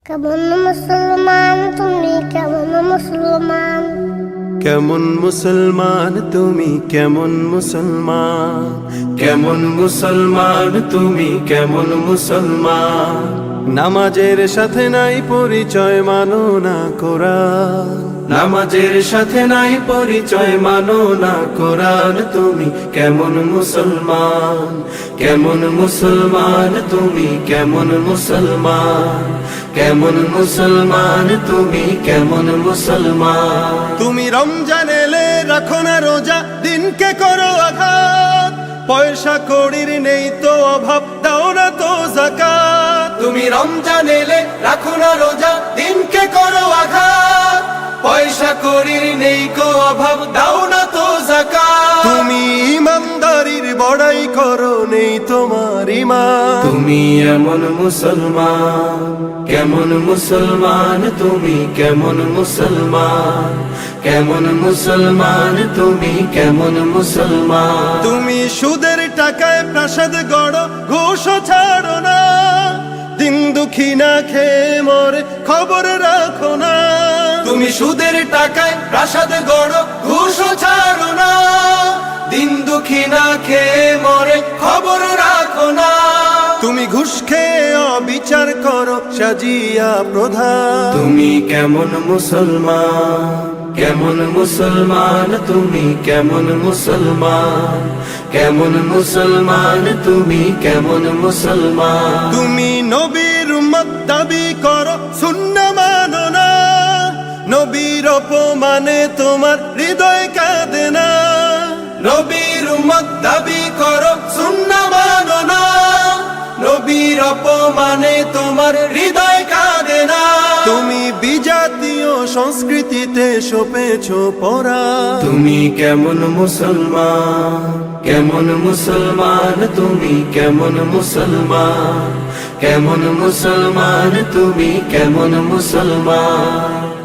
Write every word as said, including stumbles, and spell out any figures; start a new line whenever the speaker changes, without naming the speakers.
কেমন মুসলমান তুমি কেমন মুসলমান
কেমন মুসলমান তুমি কেমন মুসলমান কেমন মুসলমান তুমি কেমন মুসলমান নামাজের সাথে নাই পরিচয় মানো না কোরআন নামাজের সাথে নাই পরিচয় মানো না কোরআন তুমি কেমন মুসলমান কেমন মুসলমান তুমি কেমন মুসলমান কেমন মুসলমান তুমি কেমন মুসলমান তুমি রমজান এলে রাখো না রোজা দিনকে করো আঘাত পয়সা কড়ির নেই তো অভাব দাও না তো যাকাত তুমি রমজান এলে রাখো না রোজা দিনকে করো আঘাত পয়সা কড়ির নেই কো অভাব দাও না তো যাকাত তুমি ইমানদারির বড়াই করো নেই তোমার ঈমান তুমি এমন মুসলমান কেমন মুসলমান তুমি কেমন মুসলমান কেমন মুসলমান তুমি কেমন মুসলমান তুমি সুদের টাকায় প্রাসাদ গড়ো ঘুষ ছাড়ো না দিন দুঃখী না খেয়ে মরে খবর রাখো না তুমি সুদের টাকায় প্রাসাদ গড়ো ঘুষ ছাড়ো না দিন দুঃখী না খেয়ে মরে খবর রাখো না তুমি ঘুষ খেয়ে অবিচার করো সাজিয়া প্রধান তুমি কেমন মুসলমান কেমন মুসলমান তুমি কেমন মুসলমান কেমন মুসলমান তুমি কেমন মুসলমান তুমি নবীর উম্মত দাবি করো সুন্নাহ মানো না নবীর অপমানে তোমার হৃদয় কাঁদে না নবীর উম্মত দাবি করো সুন্নাহ মানো না নবীর অপমানে তোমার হৃদয় কাঁদে না তুমি বিজাতীয় সংস্কৃতিতে সপেছো পড়া তুমি কেমন মুসলমান কেমন মুসলমান তুমি কেমন মুসলমান কেমন মুসলমান তুমি কেমন মুসলমান